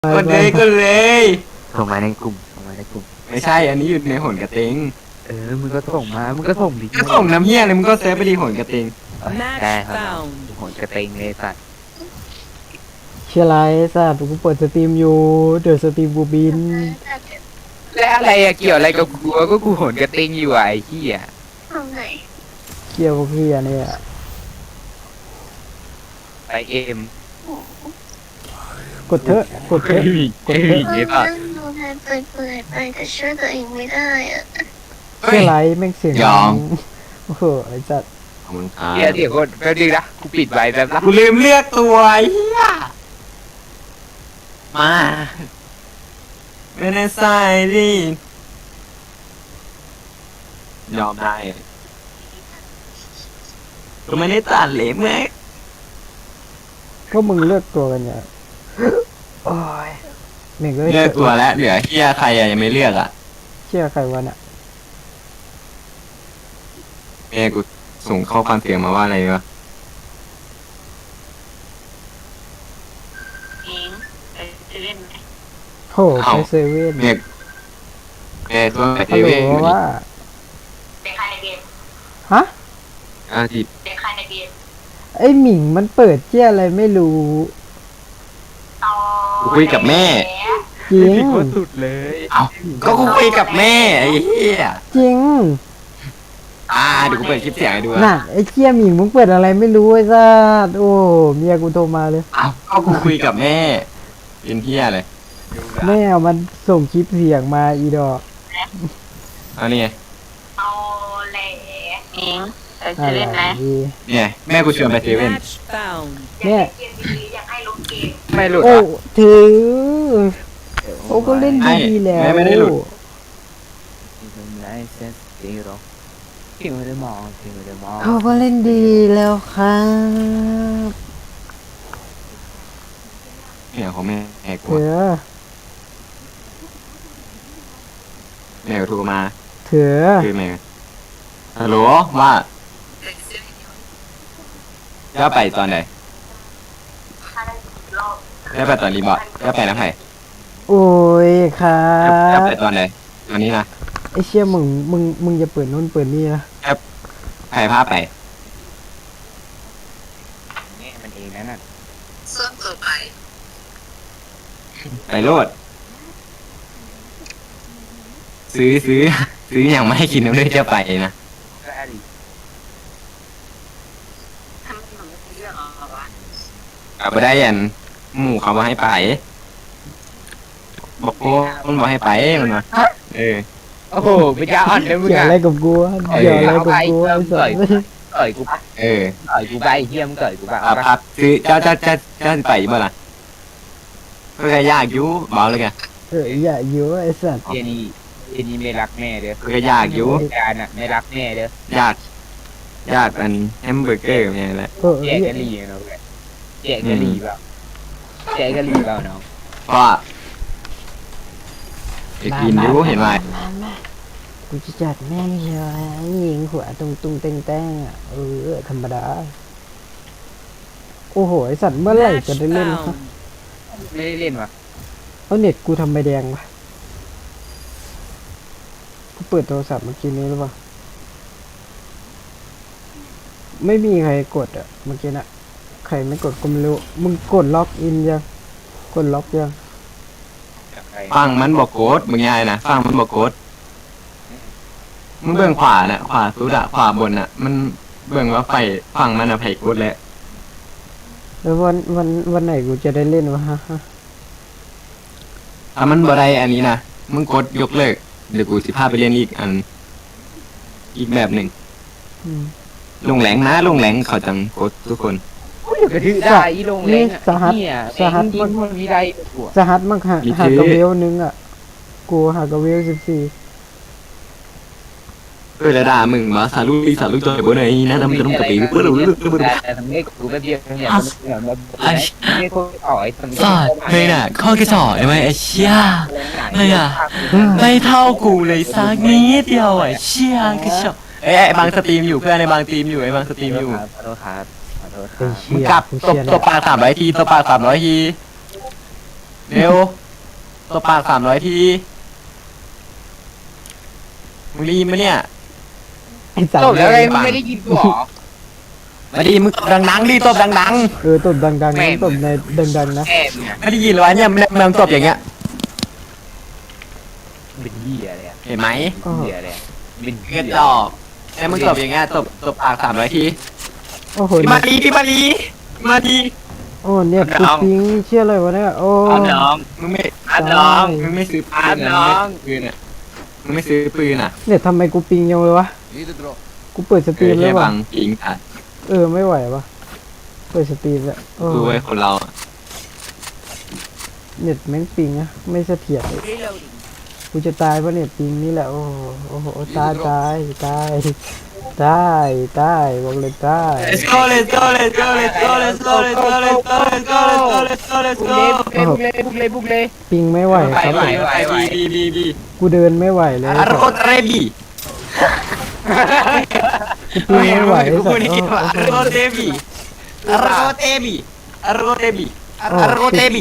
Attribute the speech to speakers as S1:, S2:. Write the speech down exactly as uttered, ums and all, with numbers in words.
S1: กดเลยกดเลย
S2: ส่งมาในกลุ่มส่งมาในกลุ่ม
S1: ไม่ใช่อันนี้อยู่ในหนกระเตง
S2: เออมึงก็ส่งมามึงก็ส่งดิ
S1: ก็ส่งน้ำเฮียเลยมึงก็เซฟไปดีหนกระเตง
S2: ได้ครับผลกระเตงเลยสัตว์
S3: เชียร์ไรสัตว์กูเปิดสตรีมอยู่เดี๋ยวสตรีมกูบิน
S2: แล้วอะไรอะเกี่ยวอะไรกับกูก็กูผลกระเตงอยู่อะไอ้เหี้ย
S4: ทำไง
S3: เกี่ยวกับเฮียเนี่ย
S2: ไปเอ็ม
S3: กดเถอะกดเถ
S2: เฮ้
S3: อะ
S2: ยเฮ้ย
S4: เรา
S2: เฮ้ยป่ะ
S4: นั่งดูแทนเปื่อยๆไปแต่ช่วยตัวเองไม่ได้อะ
S3: เชียร์ไรแม่งเสียงดังโอ้โหไอ้สัตว์
S1: ขอบคุณครับ
S2: เดี๋ยวเดี๋ยวกดแป๊บนึงนะกูปิดไว้แป๊บละ
S1: กูลืมเลือกตัวไอ้เฮียมาไม่ได้ใส่ดิยอมได้กูไม่ได้ตัดเหลยเมื่อ
S3: ก็มึงเลือกตัวกันเนี่ยโอ้ยแม่งก็
S1: เลือกตัวแล้วเหลือเฮียใครอะยังไม่เลือกอะ
S3: เชียร์ใครวะน่ะ
S1: แม่กูส่งข้อความเสียงมาว่าอะไรวะ
S4: เองจะเล่นไหม
S3: โหไปเซเว่น
S1: แม่แม่ตัวเอ
S3: ฮัลโหล
S1: เว่น
S3: ว่า
S4: เป็นใครในเกม
S3: ฮะ
S1: อาทิตย์
S4: เป็นใครในเกม
S3: ไอหมิงมันเปิดเชี่ยอะไรไม่รู้
S4: ต่อ
S1: กูคุยกับแม่
S3: จริง
S2: ผิดคนสุดเลย
S1: เอ้าก็กูคุยกับแม่ไอ้เหี้ย
S3: จริง
S1: อ่าเดี๋ยวกูเปิดคลิปเสียงให้ดู
S3: น่ะไอเชี่ยหมิงมึงเปิดอะไรไม่รู้ไอ้สัตว์โอ้เมียกูโทรมาเลย
S1: เอ้าก็กูคุยกับแม่เป็นเหี้ยเลย
S3: แม่เอามันส่งคลิปเสียงมาอีดอก
S1: เอานี่ไง
S4: เอาแหล่เองจะ
S3: อะ
S4: เล่นไหม
S3: ไรดี
S1: เนี่ยแม่กูชวนไปเซเว่น
S5: Match found.
S3: เนี่ย
S4: เกมดีๆอยากให้ลงเกม
S2: ไม่หลุด
S3: โอ้
S2: อ่ะ
S3: ถือโอ้ก็เล่นดีแล้ว
S1: แม่ไม่ได้หลุด
S2: ไลเซนส์ซีโร่ที่ไม่ได้มองที่ไม่ได้มอง
S3: เขาก็เล่นดีแล้วครับ
S1: เนี่ยของแม่แม่กู
S3: เถือ
S1: แม่กูโทรมา
S3: เถือ
S1: คือแม่ฮัลโหลว่าจะไปตอนไหน
S4: ถ้าได้รอบ
S1: จะไปตอนรีบอร์ดจะไปนะไผ่
S3: โอ้ยครั
S1: จะ
S3: บ
S1: ไปตอนไหนตอนนี้นะ
S3: ไอเชี่ยมึงมึงมึงจะเปิดนู่นเปิดนี่นะ
S1: ไผ่พาไป
S2: เนี่ยมันเองนั่นน่ะ
S4: ส่วนต่อไป
S1: ไปโลดซื้อซื้อซื้ออย่างไม่ให้กินน้ำเลยจะไปนะ
S2: ก็อะไร
S4: ทำไมมันไม่เป็นเรื่องเอาวะ
S1: กลับไปได้ยันหมู่เขาบอกให้ไปบอกโอ้มันบอกให้ไปมันมาเออ
S2: โอ้โหไปจ้าอ่อนเลยมึง
S3: เกี่ยว
S2: อะ
S3: อะไรกับกูวะเกี่ยวอะไรกับกูไอ้สัตว์
S2: ต่อยกูปะ
S1: เออ
S2: ต่อยกูไปเฮียมงต่อยกูปะ
S1: อ่ะพักซื้อเจ้าเจ้าเจ้าเจ้าสิไปบ่ล่ะก็แค่ยากอยู่เบาเลยแก
S3: เอออย่าเยอะไอ้สัตว์
S2: เฮียนี่เฮียนี่ไม่รักแม่เด้อ
S1: ก็แค่ยากอยู่
S2: การอ่ะไม่รักแม่เด้อย
S1: ากยากอันแฮมเบอร์เกอร์เนี่ยแหละ
S3: เออ
S2: แจกกะหรี่เนาะเว้ยแจกกะหรี่เปล่าแจกกะหรี่เปล่าน้อง
S1: เพราะไปกินอยู่เห็นไหม
S3: มามากูจะจัดแม่งเชียวหญิงหัวตุงตุงเต้งแต้งอ่ะเออธรรมดาโอ้โหไอสัตว์เมื่อไหร่
S5: Match
S3: จะได้เล่นครับ
S5: found.
S2: ไม่ได้เล่นวะ
S3: เอาเน็ตกูทำใบแดงวะกูเปิดโทรศัพท์เมื่อกี้นี้หรือเปล่าไม่มีใครกดอ่ะเมื่อกี้น่ะใครไม่กดก็ไม่รู้มึงกดล็อกอินยังกดล็อกยัง
S2: จากใคร
S1: ฟังมันบอกโกดมึงยายนะฟังมันบอกโกดมึงเบื้องขวาน่ะขวาสุดอะขวาบนน่ะ มันเบื้องว่าไฟฟังมันอะไผ่โกดแหละ
S3: แล้ววันวันวันไหนกูจะได้เล่นวะฮะ
S1: ถ้ามันบ่ได้อันนี้นะมึงกดยกเลิกเดี๋ยวกูสิพาไปเรียนอีกอัน อีกแบบหนึ่ง
S3: อืม
S1: ลงแหลงนะลงแหลงเขาจังกดทุกคน
S2: กระทือได้อีลงเล้งอ่ะ
S3: สหัส
S2: เนี่ย
S3: สหัส
S2: เล้งยิงมันมีได้ตัว
S3: สหัสมั่งหาหากระเวลนึงอ่ะกูหากระเวลสิบสี่
S1: เออระดามึงมาสาลุยสาลุยตัวบนไหนนะน้ำจะต้องกระปีเพื่อเราเลือกเพื่อเรา
S2: แต่ทำให้กูแป๊บเดียวเนี่ยมันเหมือนแบบไม่ค่อยอ่อยทำ
S1: สอดเฮ้ยน่ะข้อกระสอบไอ้ไว้ไอ้เชี่ย เฮ้ยอะ ไม่เท่ากูเลยสักนิดเดียวไอ้เชี่ยกระสอบเอ้ยไอ้บางสตรีมอยู่เพื่อนไอ้บางสตรีมอยู่ไอ้บางสตรีมอยู่
S2: ขอโทษครับขอโทษค
S3: ไอ้
S2: รับ
S1: มึง
S3: เชี่ย
S1: กลับ
S3: กู
S1: ตบ
S3: เชียร์
S1: ตบปากสามร้อยทีตบปากสามร้อยทีเร็วตัวปากสามร้อยทีมึงได้ยินไหมเนี่ย
S3: ไอ้สัต
S2: จบ
S3: ว์
S2: แล้วไงมึงไม่ได้ยินกูหรอ
S1: มาดีมึงตบดังๆดิตบดัง
S3: เออตบดังๆนะตบในดังๆนะ
S2: แอบมึง
S1: ๆไม่ได้ยินเลยวะเนี่ยมึงมึงตบอย่างเงี้ย
S2: เป็นเหี้ยเลยอะ
S1: เห็นไหม
S2: เป็นเหี้ยเลยอะเป็น
S1: เก
S2: เหี้ย
S1: ดดอกไอ้มึงตบอย่างเงี้ยตบตบปากสามร้อยที
S3: โอ้โห
S1: พี่มาดีพี่มาดีมาดี
S3: โอ้เนี่ยกูปิงเชื่อเลยวะเนี่ยโอ้
S2: อาน้อง
S1: มึงไม่
S2: อาน้อง
S1: มึงไม่ซื้อปื
S2: อาน น้อง
S1: ปืนอ่ะมึงไม่ซื้อปืนอ่ะ
S3: เนี่ยทำไมกูปิงยังเลยวะกูเปิดสตรีม
S1: เอ
S3: แล้
S1: อ
S3: ว
S1: แค่
S3: วะ
S1: บังปิงอ่ะ
S3: เออไม่ไหววะเปิดสตรีมแล้วโอ้
S1: ดูไว้คนเราอะ
S3: เน็ตแม่งปิงอะไม่เสถียรกูจะตายเพราะเน็ตปิงนี่แหละโอ้โหโอ้โหตายตายตายตายตายบอกเลยตาย
S1: let's go let's go let's go let's go let's go let's go let's go let's go let's go let's
S2: บุ
S1: go
S2: ก
S1: let's
S2: เลย
S1: go
S2: บุกเลยบุกเลยบุกเลย
S3: ปิงไม่ไหว
S1: ไป
S3: ครับ
S1: ไปไปบีบีบีบี
S3: กูเดินไม่ไหวเลย
S1: อารโกเตรบี
S3: กูปิงไม่ไหว
S1: กู
S3: สั
S1: พู
S3: ต
S1: ด
S3: ว์
S1: นี่
S3: โอ้
S1: ว่า
S3: โห
S1: อารโกเตบีอารโกเตบีอารโกเตบีอารโกเตบี